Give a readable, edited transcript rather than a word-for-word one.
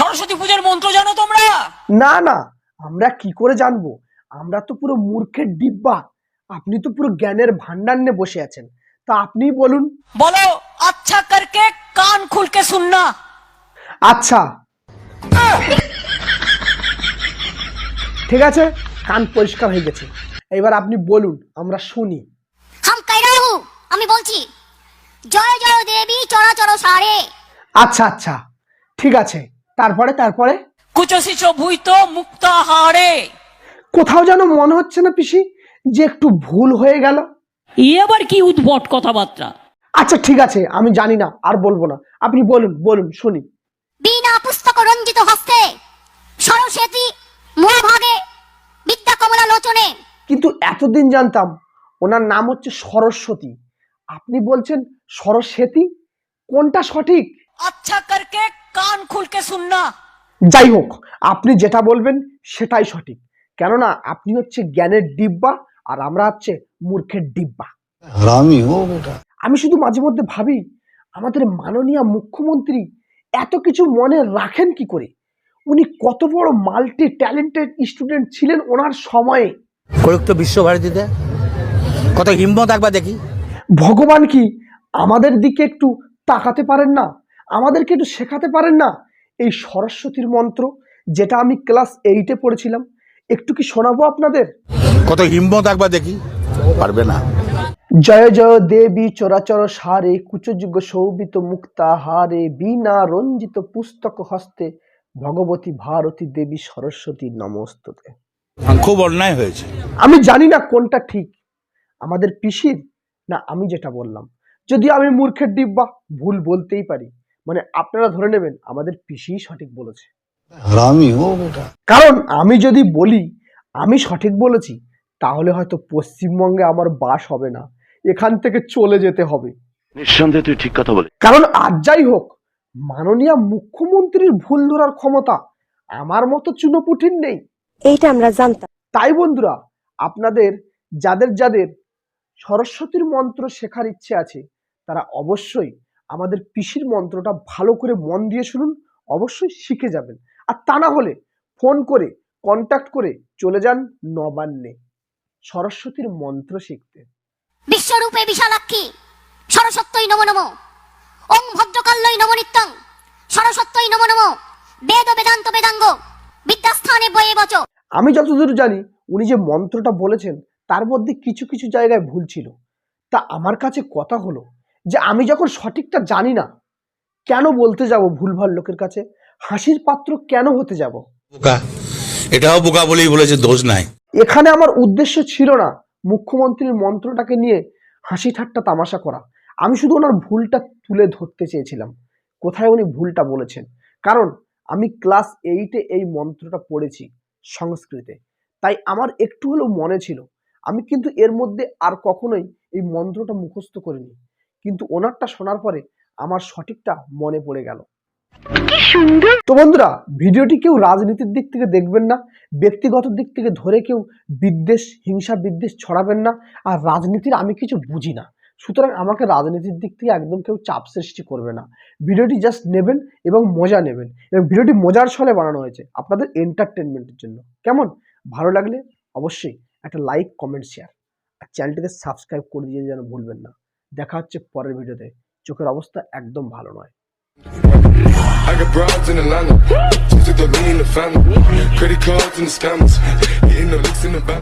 সরস্বতী পূজার মন্ত্র জানো তোমরা? না না, আমরা কি করে জানবো? আমরা তো পুরো মূর্খের ডিব্বা, আপনি তো পুরো জ্ঞানের ভান্ডার নিয়ে বসে আছেন, তা আপনিই বলুন। বলো, আচ্ছা করকে কান খুলকে শুননা। আচ্ছা ঠিক আছে, কান পরিষ্কার হয়ে গেছে, এবার আপনি বলুন, আমরা শুনি। হাম কাইরা হু, আমি বলছি জয় জয় দেবী চরাচর সারে। আচ্ছা আচ্ছা ঠিক আছে, তারপরে তারপরে কুচসিচ ভুইত মুক্তাহারে। কোথাও যেন মনে হচ্ছে না পিসি যে একটু ভুল হয়ে গেল? এ আবার কি উদ্ভট কথাবার্তা? আচ্ছা ঠিক আছে, আমি জানি না, আর বলবো না, আপনি বলুন বলুন শুনি। বিনা পুস্তক রঞ্জিত হস্তে সরস্বতী মহাভাগে বিদ্যা কমলা লোচনে। কিন্তু এতদিন জানতাম ওনার নাম হচ্ছে সরস্বতী, আপনি বলছেন সরস্বতী, কোনটা সঠিক? আচ্ছা করকে কান খুলকে শুননা। যাই হোক, আপনি যেটা বলবেন সেটাই সঠিক, কেননা আপনি হচ্ছে জ্ঞানের ডিব্বা আর আমরা হচ্ছে মূর্খের ডিব্বা। আমি শুধু মাঝে মধ্যে ভাবি, আমাদের মাননীয় মুখ্যমন্ত্রী এত কিছু মনে রাখেন কি করে? উনি কত বড় মাল্টি ট্যালেন্টেড স্টুডেন্ট ছিলেন ওনার সময়ে। করুক তো বিশ্বভারতীতে, কত হিম্মত একবার দেখি। ভগবান কি আমাদের দিকে একটু তাকাতে পারেন না? আমাদেরকে একটু শেখাতে পারেন না এই সরস্বতীর মন্ত্র, যেটা আমি ক্লাস 8-এ পড়েছিলাম? একটু কি শোনাবো আপনাদের? কত হিম্মত একবার দেখি, পারবে না। জয় জয় দেবী চরাচর সারে, কুচযুগ শোভিত মুক্তাহারে, বীণা রঞ্জিত পুস্তক হস্তে, ভগবতী ভারতী দেবী সরস্বতী নমস্তুতে। খুব অন্যায় হয়েছে। আমি জানি না কোনটা ঠিক, আমাদের পিসির না আমি যেটা বললাম। যদি আমি মূর্খের ডিব্বা, ভুল বলতেই পারি, মানে আপনারা ধরে নেবেন আমাদের পিসি সঠিক বলেছে। কারণ আমি যদি বলি আমি সঠিক বলেছি, তাহলে হয়তো পশ্চিমবঙ্গে আমার বাস হবে না, এখান থেকে চলে যেতে হবে। নিঃসন্দেহে তুই ঠিক কথা বলে। কারণ আজ যাই হোক, মাননীয় মুখ্যমন্ত্রীর ভুল ধরার ক্ষমতা আমার মতো চুনোপুটির নেই, এইটা আমরা জানতাম। তাই বন্ধুরা, আপনাদের যাদের যাদের সরস্বতীর মন্ত্র শেখার ইচ্ছে আছে, তারা অবশ্যই আমাদের পিসির মন্ত্রটা ভালো করে মন দিয়ে শুনুন, অবশ্যই শিখে যাবেন। আর তা না হলে ফোন করে কন্ট্যাক্ট করে চলে যান নবান্নে সরস্বতীর মন্ত্র শিখতে। বিশ্বরূপে বিশালাক্ষী সরস্বত্যই নমো নমো, ওং ভদ্রকাল্যই নমো নিত্যং সরস্বত্যই নমো নমো, বেদ বেদান্ত বেদাঙ্গ বিদ্যাস্থানে বয়ে বচ। আমি যতদূর জানি উনি যে মন্ত্রটা বলেছেন তার মধ্যে কিছু কিছু জায়গায় ভুল ছিল। তা আমার কাছে কথা হলো যে আমি যখন সঠিকটা জানি না, কেন বলতে যাব ভুলভাল লোকের কাছে? হাসির পাত্র কেন হতে যাব? বোকা, এটাও বোকা বলেই বলেছে, দোষ নাই। এখানে আমার উদ্দেশ্য ছিল না মুখ্যমন্ত্রীর মন্ত্রটাকে নিয়ে হাসি ঠাট্টা তামাশা করা, আমি শুধু ওনার ভুলটা তুলে ধরতে চেয়েছিলাম, কোথায় উনি ভুলটা বলেছেন। কারণ আমি ক্লাস 8-এ এই মন্ত্রটা পড়েছি সংস্কৃতে, তাই আমার একটু হলেও মনে ছিল। আমি কিন্তু এর মধ্যে আর কখনোই এই মন্ত্রটা মুখস্থ করিনি, কিন্তু ওনারটা শোনার পরে আমার সঠিকটা মনে পড়ে গেল। তো বন্ধুরা, ভিডিওটি কেউ রাজনীতির দিক থেকে দেখবেন না, ব্যক্তিগত দিক থেকে ধরে কেউ বিদ্বেষ হিংসা বিদ্বেষ ছড়াবেন না। আর রাজনীতির আমি কিছু বুঝি না, সুতরাং আমাকে রাজনীতির দিক থেকে একদম কেউ চাপ সৃষ্টি করবে না। ভিডিওটি জাস্ট নেবেন এবং মজা নেবেন, এবং ভিডিওটি মজার ছলে বানানো হয়েছে আপনাদের এন্টারটেনমেন্টের জন্য। কেমন? ভালো লাগলে অবশ্যই একটা লাইক কমেন্ট শেয়ার, আর চ্যানেলটিকে সাবস্ক্রাইব করে দিয়ে যেন ভুলবেন না। দেখা হচ্ছে পরের ভিডিওতে। চোখের অবস্থা একদম ভালো নয়। I got broads in Atlanta, just took the lean in the family, credit cards and the scammers, hitting the licks in the back.